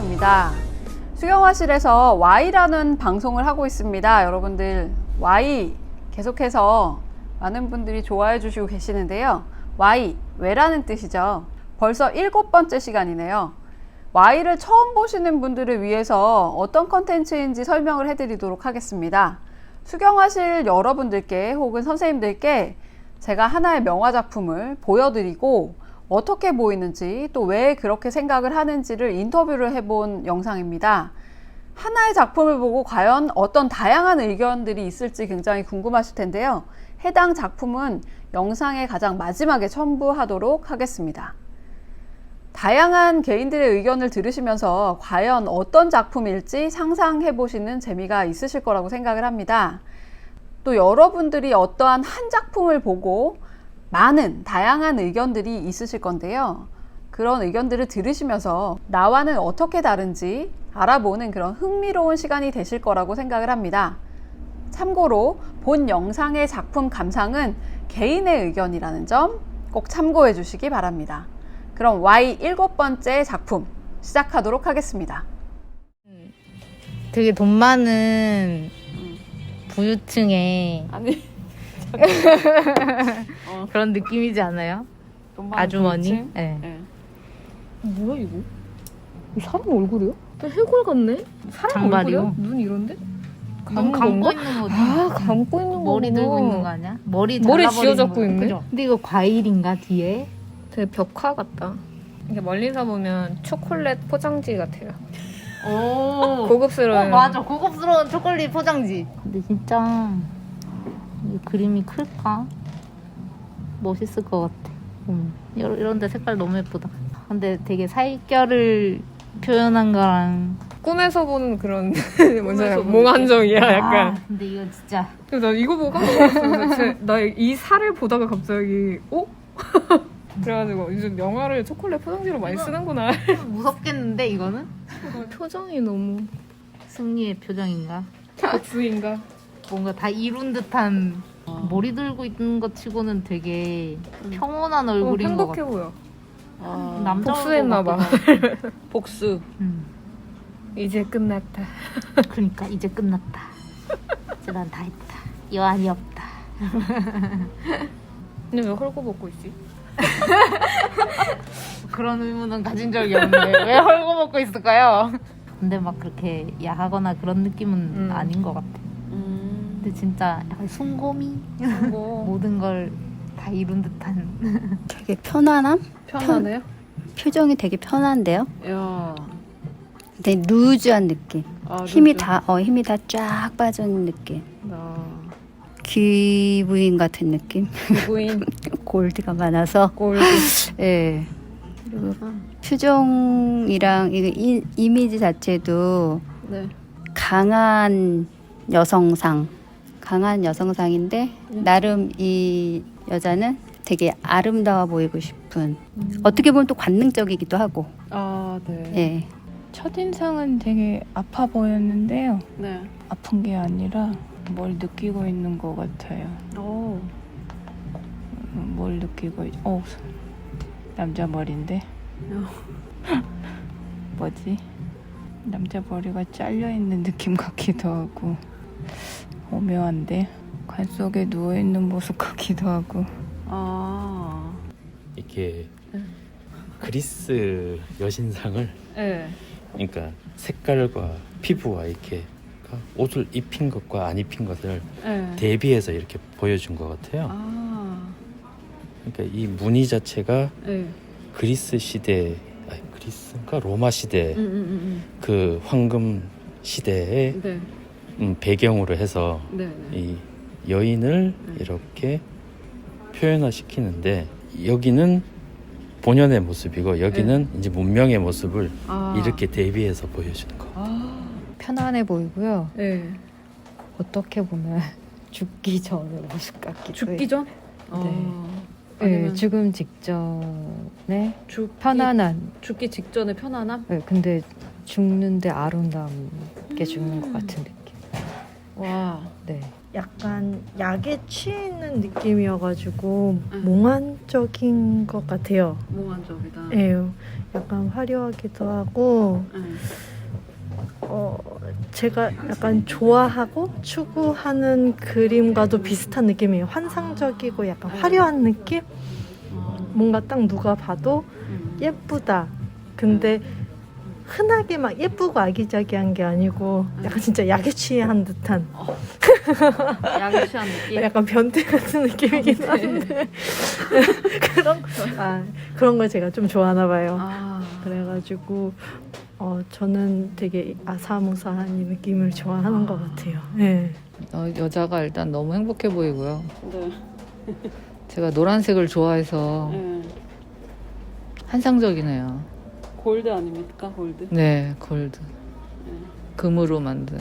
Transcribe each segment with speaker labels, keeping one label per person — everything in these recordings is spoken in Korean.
Speaker 1: 수경화입니다. 수경화실에서 Y라는 방송을 하고 있습니다. 여러분들 Y 계속해서 많은 분들이 좋아해 주시고 계시는데요. Y, 왜라는 뜻이죠. 벌써 7번째 시간이네요. Y를 처음 보시는 분들을 위해서 어떤 컨텐츠인지 설명을 해드리도록 하겠습니다. 수경화실 여러분들께 혹은 선생님들께 제가 하나의 명화작품을 보여드리고 어떻게 보이는지 또 왜 그렇게 생각을 하는지를 인터뷰를 해본 영상입니다. 하나의 작품을 보고 과연 어떤 다양한 의견들이 있을지 굉장히 궁금하실 텐데요. 해당 작품은 영상의 가장 마지막에 첨부하도록 하겠습니다. 다양한 개인들의 의견을 들으시면서 과연 어떤 작품일지 상상해 보시는 재미가 있으실 거라고 생각을 합니다. 또 여러분들이 어떠한 한 작품을 보고 많은 다양한 의견들이 있으실 건데요. 그런 의견들을 들으시면서 나와는 어떻게 다른지 알아보는 그런 흥미로운 시간이 되실 거라고 생각을 합니다. 참고로 본 영상의 작품 감상은 개인의 의견이라는 점 꼭 참고해 주시기 바랍니다. 그럼 Y 7번째 작품 시작하도록 하겠습니다.
Speaker 2: 되게 돈 많은 부유층의
Speaker 1: 아니
Speaker 2: 그런 느낌이지 않아요? 아주머니? 네.
Speaker 1: 네.
Speaker 3: 뭐야 이거? 이거 사람 얼굴이야? 해골 같네? 사람
Speaker 2: 장발이요?
Speaker 3: 얼굴이야? 눈 이런데?
Speaker 2: 눈 감고
Speaker 3: 건가?
Speaker 2: 있는 거지.
Speaker 3: 아 감고 있는 거
Speaker 2: 머리 들고 있는 거 아니야? 머리
Speaker 3: 쥐어잡고
Speaker 2: 거.
Speaker 3: 있네?
Speaker 2: 그죠? 근데 이거 과일인가 뒤에?
Speaker 3: 되게 벽화 같다. 이게 멀리서 보면 초콜릿 포장지 같아요.
Speaker 2: 오.
Speaker 3: 고급스러운.
Speaker 2: 맞아. 고급스러운 초콜릿 포장지. 근데 진짜 이 그림이 클까? 멋있을 것 같아. 이런데 색깔 너무 예쁘다. 근데 되게 살결을 표현한 거랑
Speaker 3: 꿈에서 보는 그런 뭔지
Speaker 2: 보는
Speaker 3: 몽환정이야 약간.
Speaker 2: 아, 근데 이거 진짜
Speaker 3: 그래서 나 이거 보고 깜짝 놀랐어. 나 이 살을 보다가 갑자기 그래가지고 요즘 명화를 초콜릿 포장지로 많이 쓰는구나.
Speaker 2: 무섭겠는데 이거는?
Speaker 3: 표정이 너무
Speaker 2: 승리의 표정인가?
Speaker 3: 복수인가?
Speaker 2: 뭔가 다 이룬 듯한 머리 들고 있는 것 치고는 되게 평온한 얼굴인 것
Speaker 3: 행복해
Speaker 2: 같아.
Speaker 3: 보여.
Speaker 2: 남자
Speaker 3: 복수했나
Speaker 2: 얼굴
Speaker 3: 봐.
Speaker 2: 같기도 하고.
Speaker 1: 복수.
Speaker 3: 이제 끝났다.
Speaker 2: 그러니까 이제 끝났다. 이제 난 다 했다. 여한이 없다.
Speaker 3: 근데 왜 헐고벗고 있지?
Speaker 2: 그런 의문은 가진 적이 없는데 왜 헐고벗고 있을까요? 근데 막 그렇게 야하거나 그런 느낌은 아닌 것 같아. 근데 진짜 약간 숨고미? 모든 걸 다 이룬 듯한.
Speaker 4: 되게 편안함?
Speaker 1: 편하네요.
Speaker 4: 표정이 되게 편한데요?
Speaker 1: 야.
Speaker 4: 되게 루즈한 느낌. 힘이
Speaker 1: 루즈.
Speaker 4: 힘이 다 쫙 빠진 느낌.
Speaker 1: 아,
Speaker 4: 귀부인 같은 느낌.
Speaker 1: 부인
Speaker 4: 골드가 많아서.
Speaker 1: 골드.
Speaker 4: 예. 그리고 표정이랑 이미지 자체도
Speaker 1: 네.
Speaker 4: 강한 여성상인데 나름 이 여자는 되게 아름다워 보이고 싶은 어떻게 보면 또 관능적이기도 하고
Speaker 1: 아, 네.
Speaker 4: 예.
Speaker 5: 첫인상은 되게 아파 보였는데요.
Speaker 1: 네.
Speaker 5: 아픈 게 아니라 뭘 느끼고 있는 것 같아요.
Speaker 1: 오.
Speaker 5: 뭘 느끼고 남자 머리인데 뭐지? 남자 머리가 잘려 있는 느낌 같기도 하고 오묘한데 관 속에 누워 있는 모습 같기도 하고.
Speaker 1: 아.
Speaker 6: 이게 그리스 여신상을
Speaker 1: 네.
Speaker 6: 그러니까 색깔과 피부와 이렇게 옷을 입힌 것과 안 입힌 것을
Speaker 1: 네.
Speaker 6: 대비해서 이렇게 보여준 것 같아요.
Speaker 1: 아.
Speaker 6: 그러니까 이 무늬 자체가
Speaker 1: 네.
Speaker 6: 그리스 시대, 그리스인가 로마 시대 그 황금 시대의
Speaker 1: 네.
Speaker 6: 배경으로 해서
Speaker 1: 네. 네.
Speaker 6: 이 여인을 이렇게 표현화시키는데 여기는 본연의 모습이고 여기는 이제 문명의 모습을
Speaker 1: 아.
Speaker 6: 이렇게 대비해서 보여주는 거.
Speaker 1: 아.
Speaker 3: 편안해 보이고요.
Speaker 1: 네.
Speaker 3: 어떻게 보면 죽기 전의 모습 같기도
Speaker 1: 죽기
Speaker 3: 해요.
Speaker 1: 전?
Speaker 3: 네,
Speaker 1: 아니면
Speaker 3: 죽음 직전에
Speaker 1: 죽기,
Speaker 3: 편안한.
Speaker 1: 죽기 직전의 편안함?
Speaker 3: 네, 근데 죽는데 아름답게 죽는 것 같은 느낌.
Speaker 1: 와.
Speaker 3: 네.
Speaker 7: 약간 약에 취해 있는 느낌이어가지고 몽환적인 것 같아요.
Speaker 1: 몽환적이다.
Speaker 7: 예, 약간 화려하기도 하고 제가 약간 좋아하고 추구하는 그림과도 비슷한 느낌이에요. 환상적이고 약간 화려한 느낌? 뭔가 딱 누가 봐도 예쁘다. 근데 흔하게 막 예쁘고 아기자기한 게 아니고 약간 진짜 약에 취한 듯한
Speaker 1: 약에 취한 느낌.
Speaker 7: 약간 변태 같은 느낌이긴 한데 그런 걸 제가 좀 좋아하나 봐요. 그래가지고 저는 되게 아사무사한 이 느낌을 좋아하는 것 같아요. 네.
Speaker 2: 여자가 일단 너무 행복해 보이고요.
Speaker 1: 네.
Speaker 2: 제가 노란색을 좋아해서 환상적이네요.
Speaker 1: 골드 아닙니까? 골드.
Speaker 2: 네, 골드. 금으로 만든.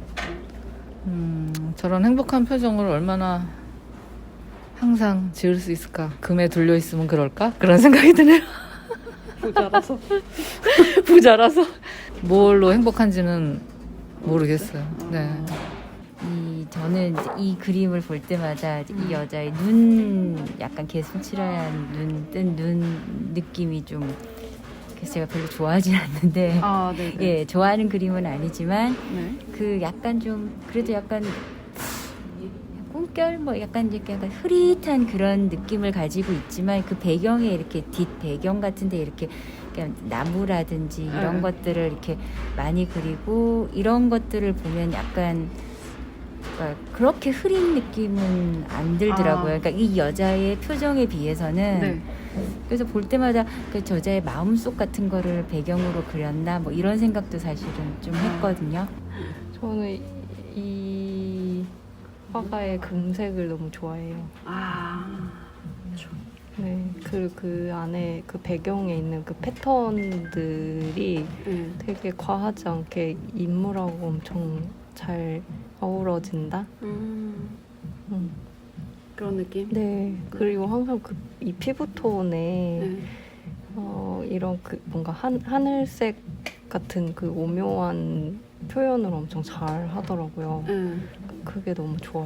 Speaker 2: 저런 행복한 표정을 얼마나 항상 지을 수 있을까? 금에 둘려 있으면 그럴까? 그런 생각이 드네요.
Speaker 1: 부자라서.
Speaker 2: 부자라서 뭘로 행복한지는 모르겠어요. 네.
Speaker 4: 저는 이제 이 그림을 볼 때마다 이 여자의 눈, 약간 개슴츠레한 눈, 뜬 눈 느낌이 좀, 그래서 제가 별로 좋아하진 않는데,
Speaker 1: 네네.
Speaker 4: 예, 좋아하는 그림은 아니지만,
Speaker 1: 네.
Speaker 4: 그 약간 좀, 그래도 약간 꿈결, 뭐 약간 이렇게 약간 흐릿한 그런 느낌을 가지고 있지만, 그 배경에 이렇게 뒷 배경 같은데 이렇게 그냥 나무라든지 이런 것들을 이렇게 많이 그리고, 이런 것들을 보면 약간 그러니까 그렇게 흐린 느낌은 안 들더라고요. 그러니까 이 여자의 표정에 비해서는.
Speaker 1: 네.
Speaker 4: 그래서 볼 때마다 그 저자의 마음속 같은 거를 배경으로 그렸나 뭐 이런 생각도 사실은 좀 했거든요.
Speaker 5: 저는 이 화가의 금색을 너무 좋아해요. 네, 그 안에 그 배경에 있는 그 패턴들이 되게 과하지 않게 인물하고 엄청 잘 어우러진다.
Speaker 1: 그런 느낌?
Speaker 5: 네, 그리고 항상 이 피부톤에 이런 그 뭔가 하늘색 같은 그 오묘한 표현을 엄청 잘 하더라고요. 그게 너무 좋아요.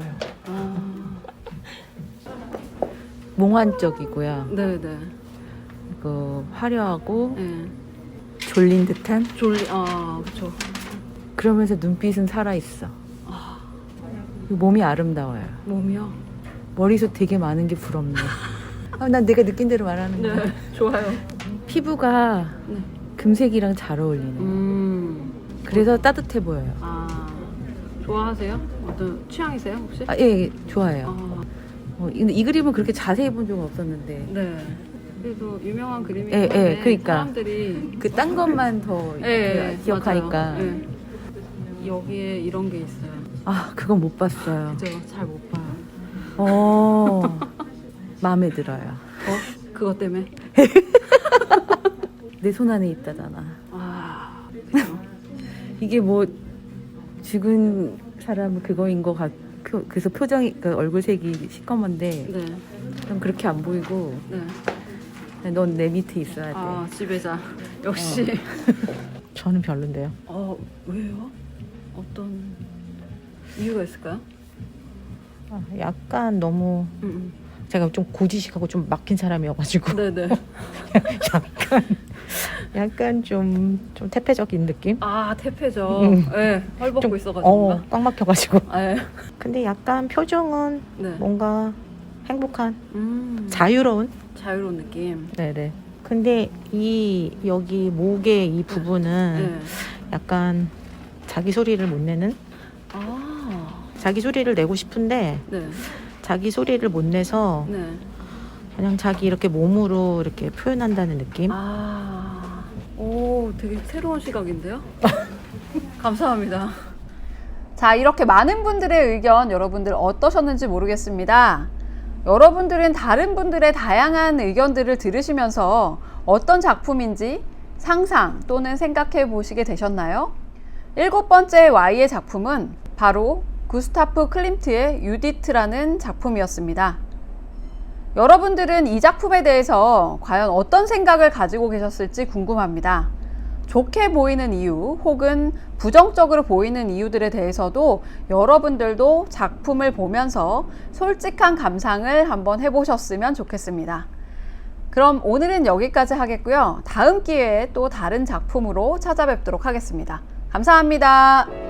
Speaker 8: 몽환적이고요.
Speaker 1: 네네.
Speaker 8: 그 화려하고
Speaker 1: 네.
Speaker 8: 졸린 듯한.
Speaker 1: 그쵸.
Speaker 8: 그러면서 눈빛은 살아 있어. 몸이 아름다워요.
Speaker 1: 몸이요?
Speaker 8: 머리숱 되게 많은 게 부럽네. 난 내가 느낀 대로 말하는 거야.
Speaker 1: 네. 좋아요.
Speaker 8: 피부가
Speaker 1: 네.
Speaker 8: 금색이랑 잘 어울리네. 그래서 따뜻해 보여요.
Speaker 1: 좋아하세요? 어떤 취향이세요 혹시?
Speaker 8: 예, 좋아해요. 이 그림은 그렇게 자세히 본 적은 없었는데.
Speaker 1: 네. 그래도 유명한 그림이긴
Speaker 8: 예,
Speaker 1: 한데
Speaker 8: 그러니까.
Speaker 1: 사람들이
Speaker 8: 그 딴 것만 더 기억하니까.
Speaker 1: 맞아요. 예. 여기에 이런 게 있어요.
Speaker 8: 그건 못 봤어요.
Speaker 1: 그죠? 잘 못 봐요.
Speaker 8: 마음에 들어요.
Speaker 1: 그것 때문에?
Speaker 8: 내 손 안에 있다잖아.
Speaker 1: 그죠?
Speaker 8: 이게 뭐 죽은 사람은 그거인 것 같. 그래서 표정이 그 얼굴색이 시커먼데
Speaker 1: 네.
Speaker 8: 난 그렇게 안 보이고
Speaker 1: 네.
Speaker 8: 넌 내 밑에 있어야 돼.
Speaker 1: 지배자. 역시.
Speaker 8: 저는 별론데요.
Speaker 1: 왜요? 어떤 이유가 있을까요?
Speaker 8: 약간 너무 제가 좀 고지식하고 좀 막힌 사람이어가지고
Speaker 1: 네네.
Speaker 8: 약간 좀 태폐적인 느낌?
Speaker 1: 태폐죠. 네. 헐벗고 있어가지고.
Speaker 8: 꽉 막혀가지고.
Speaker 1: 네.
Speaker 8: 근데 약간 표정은
Speaker 1: 네.
Speaker 8: 뭔가 행복한, 자유로운.
Speaker 1: 자유로운 느낌.
Speaker 8: 네네. 근데 여기 목의 이 부분은
Speaker 1: 네.
Speaker 8: 약간 자기 소리를 못 내는? 자기 소리를 내고 싶은데
Speaker 1: 네.
Speaker 8: 자기 소리를 못 내서
Speaker 1: 네.
Speaker 8: 그냥 자기 이렇게 몸으로 이렇게 표현한다는 느낌?
Speaker 1: 오, 되게 새로운 시각인데요? 감사합니다. 자, 이렇게 많은 분들의 의견 여러분들 어떠셨는지 모르겠습니다. 여러분들은 다른 분들의 다양한 의견들을 들으시면서 어떤 작품인지 상상 또는 생각해 보시게 되셨나요? 7번째 Y의 작품은 바로 구스타프 클림트의 유디트라는 작품이었습니다. 여러분들은 이 작품에 대해서 과연 어떤 생각을 가지고 계셨을지 궁금합니다. 좋게 보이는 이유 혹은 부정적으로 보이는 이유들에 대해서도 여러분들도 작품을 보면서 솔직한 감상을 한번 해보셨으면 좋겠습니다. 그럼 오늘은 여기까지 하겠고요. 다음 기회에 또 다른 작품으로 찾아뵙도록 하겠습니다. 감사합니다.